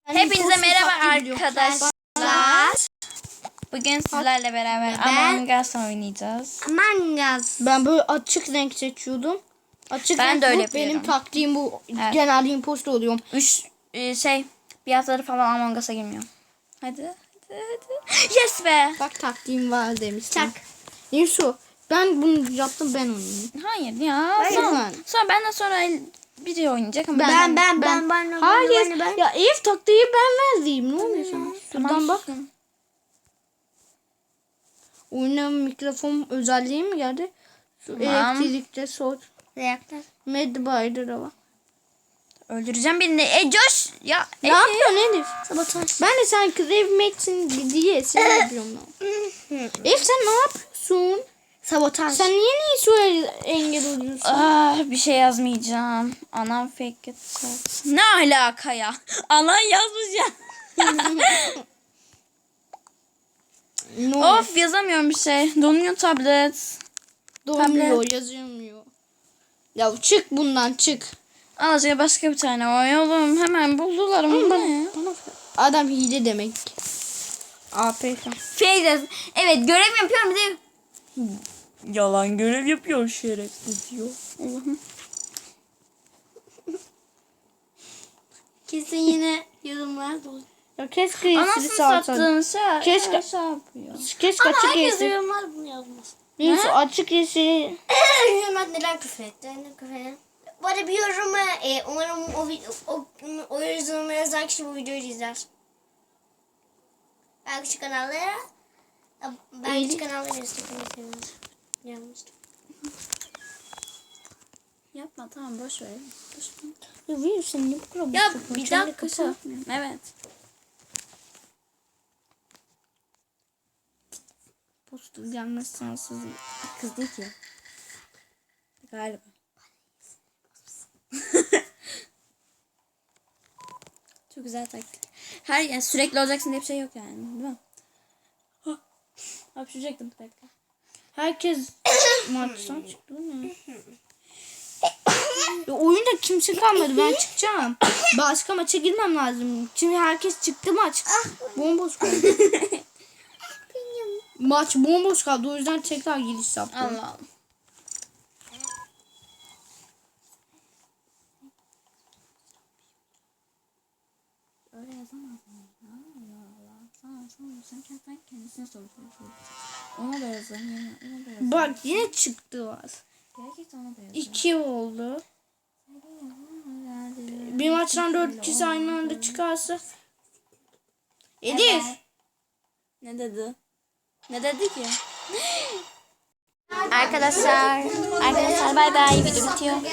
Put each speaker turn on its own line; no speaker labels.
Hepinize merhaba arkadaşlar. Bugün sizlerle beraber Among Us oynayacağız.
Among Us. Ben böyle açık renk seçiyordum. Açık
Ben
renk
de öyle
bu.
yapıyorum.
Benim taktiğim bu.
Evet.
Genelde imposter oluyorum.
Bir haftadır falan Among Us'a girmiyorum. Hadi. Yes be.
Bak taktiğim var demiştim. Çak. Neyse ben bunu yaptım, ben oynayayım.
Hayır ya.
Hayır,
Sonra benden sonra biri oynayacak ama
Ben. Hayır. Ya Elif taktiği ben verdim. Ne oluyor sana? Şuradan bak. Oyuna mikrofon özelliği mi geldi? Şu
Tamam.
elektrikte sor.
Reaktör.
Medbay'da da var.
Öldüreceğim birini. Coş. Ya
Ne yapıyorsun Elif? Sabotaj. Ben de sen Crave diye seni yapıyorum. Elif sen ne yapıyorsun? Sabotaj. Sen niye şöyle engel oluyorsun?
Bir şey yazmayacağım. Anam fake it. Ne alaka ya? Anan yazmış ya. Of yazamıyorum bir şey. Donuyor tablet.
Dolmuyor, yazılmıyor. Ya çık bundan, çık.
Azıcık başka bir tane oynayalım. Hemen buldular onu. Ne?
Adam hile demek. APK.
Fake. Evet görev yapıyorum bir de. Yalan görev yapıyor şerefsiz diyor. Allah'ım.
Kesin yine yorumlar dolu. Ya keşke
Anasını sattığın şey.
Keşke
yapıyor.
Keşke açık
Herkes
yeşil.
yorumlar bunu yazmaz.
Neyse açık yeşil.
Yorumlar neden küfür etti? Ne küfür etti? Bu arada bir yorumu umarım o yorumu yazan kişi bu videoyu izler. Ben küçük kanallara küçük kanallara yazmıştım.
Yapma tamam boş ver.
Ya virüsün ne bu kadar
Ya
bozuk?
bir
Şöyle
dakika.
kapat.
Evet.
Postu gelmez sensiz.
Kız değil ki. Galiba. Çok güzel taktik. Yani sürekli olacaksın diye bir şey yok yani. Değil mi? Hapşuracaktım bir dakika.
Herkes maçtan çıktı mı? Ya oyunda kimse kalmadı, ben çıkacağım. Başka maça girmem lazım. Şimdi herkes çıktı, maç. Bomboş kaldı. Maç bomboş kaldı, o yüzden tekrar giriş yaptım.
Allah Allah. Öyle yazamaz mı? Sen kendisine soruyorsun. Ona da yazalım.
Bak yine çıktı var.
Gerçekten ona da yazalım.
2 oldu. Bir maçtan 4 kişi aynı anda çıkarsa. Elif.
Ne dedi? Ne dedi ki? Arkadaşlar bay bay, video bitiyor.